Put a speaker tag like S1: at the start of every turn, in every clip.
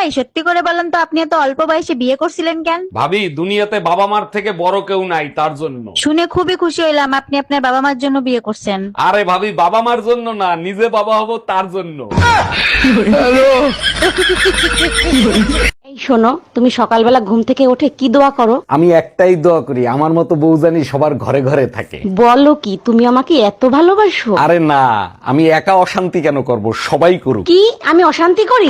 S1: ভাই সত্যি করে বলেন তো আপনি এত অল্প বয়সে বিয়ে করছিলেন কেন?
S2: ভাবি, দুনিয়াতে বাবা মার থেকে বড় কেউ নাই, তার জন্য।
S1: শুনে খুবই খুশি হইলাম আপনি আপনার বাবা মার জন্য বিয়ে করছেন।
S2: আরে ভাবি, বাবা মার জন্য না, নিজে বাবা হব তার জন্য।
S3: এই শোনো, তুমি সকালবেলা ঘুম থেকে উঠে কি দোয়া করো?
S2: আমি একটাই দোয়া করি, আমার মতো বউ জানি সবার ঘরে ঘরে থাকে।
S3: বলো কি, তুমি আমাকে এত ভালোবাসো?
S2: আরে না, আমি একা অশান্তি কেন করব, সবাই করুক।
S3: কি আমি অশান্তি করি?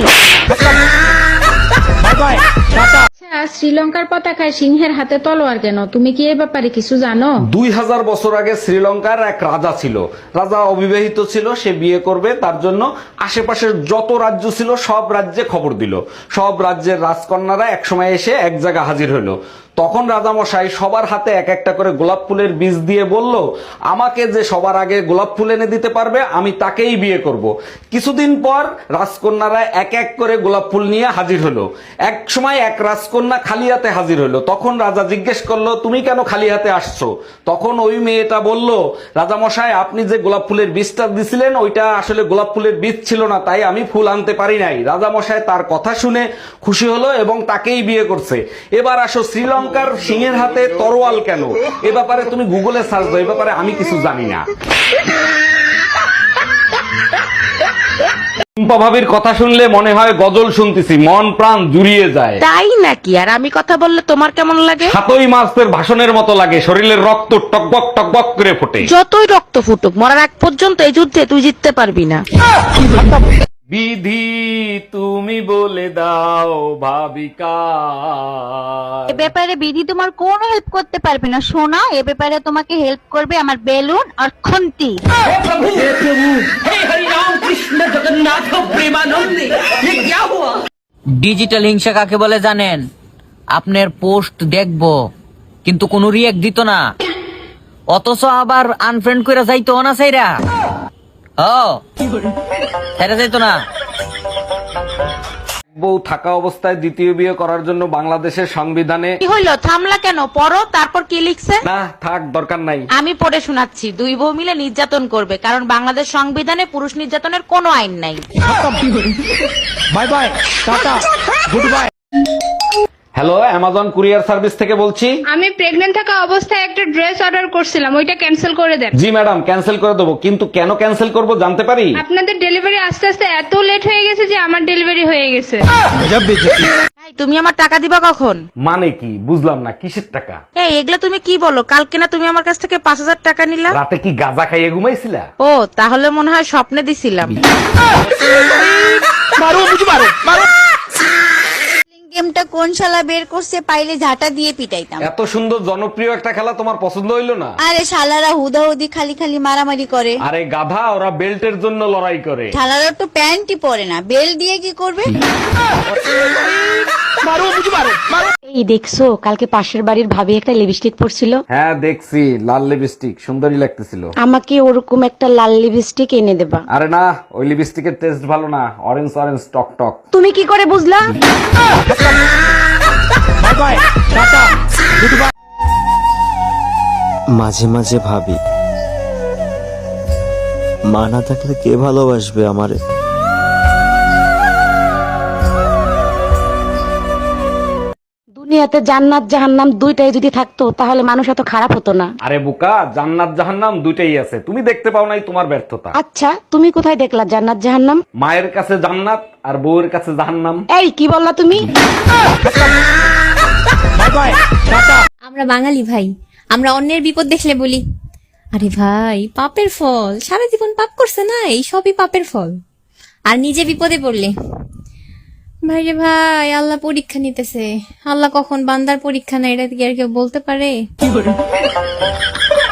S4: শ্রীলঙ্কার পতাকায় সিংহের হাতে তলোয়ার কেন? তুমি কি এই ব্যাপারে কিছু জানো?
S2: 2000 বছর আগে শ্রীলঙ্কার এক রাজা ছিল। রাজা অবিবাহিত ছিল, সে বিয়ে করবে, তার জন্য আশেপাশের যত রাজ্য ছিল সব রাজ্যে খবর দিল। সব রাজ্যের রাজকন্যারা একসময় এসে এক জায়গা হাজির হলো। তখন রাজামশাই সবার হাতে এক একটা করে গোলাপ ফুলের বীজ দিয়ে বলল, আমাকে যে সবার আগে গোলাপ ফুল এনে দিতে পারবে আমি তাকেই বিয়ে করব। কিছুদিন পর রাজকন্যারা এক এক করে গোলাপ ফুল নিয়ে হাজির হলো। এক সময় এক রাজকন্যা খালি হাতে হাজির হলো। তখন রাজা জিজ্ঞেস করলো, তুমি কেন খালি হাতে আসছো? তখন ওই মেয়েটা বলল, রাজামশাই আপনি যে গোলাপ ফুলের বীজটা দিছিলেন ওইটা আসলে গোলাপ ফুলের বীজ ছিল না, তাই আমি ফুল আনতে পারি নাই। রাজামশাই তার কথা শুনে খুশি হলো এবং তাকেই বিয়ে করছে। এবার আসো, শ্রীলঙ্কার সিংহের হাতে তরোয়াল কেন? এ ব্যাপারে তুমি গুগলে সার্চ দাও, এ ব্যাপারে আমি কিছু জানি না। টুম্পা ভাবির কথা শুনলে মনে হয় গজল শুনতেছি, মন প্রাণ জুড়িয়ে যায়।
S3: তাই নাকি? আর আমি কথা বললে তোমার কেমন লাগে?
S2: 7ই মার্চের ভাষণের মতো লাগে, শরীরের রক্ত টকবক টকবক করে ফোটে।
S3: যতই রক্ত ফুটুক, মরার আগ পর্যন্ত এই যুদ্ধে তুই জিততে পারবি না।
S2: বিধি তুমি বলে দাও ভাবিকা।
S1: এ ব্যাপারে বিধি তোমার কোনো হেল্প করতে পারবে না সোনা, এ ব্যাপারে তোমাকে হেল্প করবে আমার বেলুন আর খুন্তি।
S5: ডিজিটাল হিংসা কাকে বলে জানেন? আপনার পোস্ট দেখবো কিন্তু কোনো রিয়েক্ট দিত না, অথচ আবার আনফ্রেন্ড করে যাইতো না সাইরা। ছেড়ে যাইতো না।
S2: বউ থাকা অবস্থায় দ্বিতীয় বিয়ে করার জন্য বাংলাদেশের সংবিধানে
S3: কি হইলো? থামলা কেন? পড়ো, তারপর কি লিখছে?
S2: না থাক, দরকার নাই।
S3: আমি পড়ে শোনাচ্ছি। দুই বউ মিলে নির্যাতন করবে, কারণ বাংলাদেশ সংবিধানে পুরুষ নির্যাতনের কোনো আইন নাই।
S2: Bye bye, tata, good bye. Hello, Amazon courier service থেকে বলছি।
S4: আমি প্রেগন্যান্ট থাকা অবস্থায় একটা ড্রেস অর্ডার করছিলাম, ওইটা ক্যান্সেল করে দেন।
S2: জি ম্যাডাম, ক্যান্সেল করে দেবো, কিন্তু কেন ক্যান্সেল করব জানতে পারি?
S4: আপনাদের ডেলিভারি আস্তে আস্তে এত লেট হয়ে গেছে যে আমার ডেলিভারি হয়ে গেছে।
S3: এই, তুমি আমার টাকা দিবা কখন?
S2: মানে কি বুঝলাম না, কিসের টাকা?
S3: এই, এগুলা তুমি কি বলো? কালকে না তুমি আমার কাছ থেকে 5000 টাকা নিলা?
S2: রাতে কি গাঁজা খাইয়ে ঘুমাইছিলা?
S3: ও, তাহলে মনে হয় স্বপ্নে দিছিলাম।
S1: গেমটা কোন শালা বের করছে, পাইলে ঝাঁটা দিয়ে পিটাইতাম।
S2: এত সুন্দর জনপ্রিয় একটা খেলা তোমার পছন্দ হইলো না?
S1: আরে শালারা হুদাহুদি খালি খালি মারামারি করে।
S2: আরে গাধা, ওরা বেল্টের জন্য লড়াই করে।
S1: শালারা তো প্যান্টই পরে না, বেল দিয়ে কি করবে?
S3: এই দেখছো, কালকে পাশের বাড়ির ভাবি একটা লিপস্টিক পরছিল।
S2: হ্যাঁ দেখছি, লাল লিপস্টিক, সুন্দরী লাগতেছিল।
S3: আমাকে ওরকম একটা লাল লিপস্টিক এনে দেবা।
S2: আরে না, ওই লিপস্টিকের টেস্ট ভালো না, অরেঞ্জ অরেঞ্জ টক টক।
S3: তুমি কি করে বুঝলা?
S6: মাঝে মাঝে ভাবি, মা না থাকলে কে ভালোবাসবে আমারে?
S3: দুনিয়াতে জান্নাত জাহান্নাম দুইটাই যদি থাকতো তাহলে মানুষ এত খারাপ হতো না।
S2: আরে বোকা, জান্নাত জাহান্নাম দুইটাই আছে, তুমি দেখতে পাও নাই, তোমার ব্যর্থতা।
S3: আচ্ছা, তুমি কোথায় দেখলা জান্নাত জাহান্নাম?
S2: মায়ের কাছে জান্নাত আর বউয়ের কাছে জাহান্নাম।
S3: এই, কি বললা তুমি?
S7: আমরা বাঙালি ভাই, আমরা অন্যের বিপদ দেখলে বলি, আরে ভাই পাপের ফল, সারা জীবন পাপ করছে না, এই সবই পাপের ফল। আর নিজে বিপদে পড়লে, ভাই রে ভাই আল্লাহ পরীক্ষা নিতেছে, আল্লাহ কখন বান্দার পরীক্ষা নেয় এটা কি আর কেউ বলতে পারে?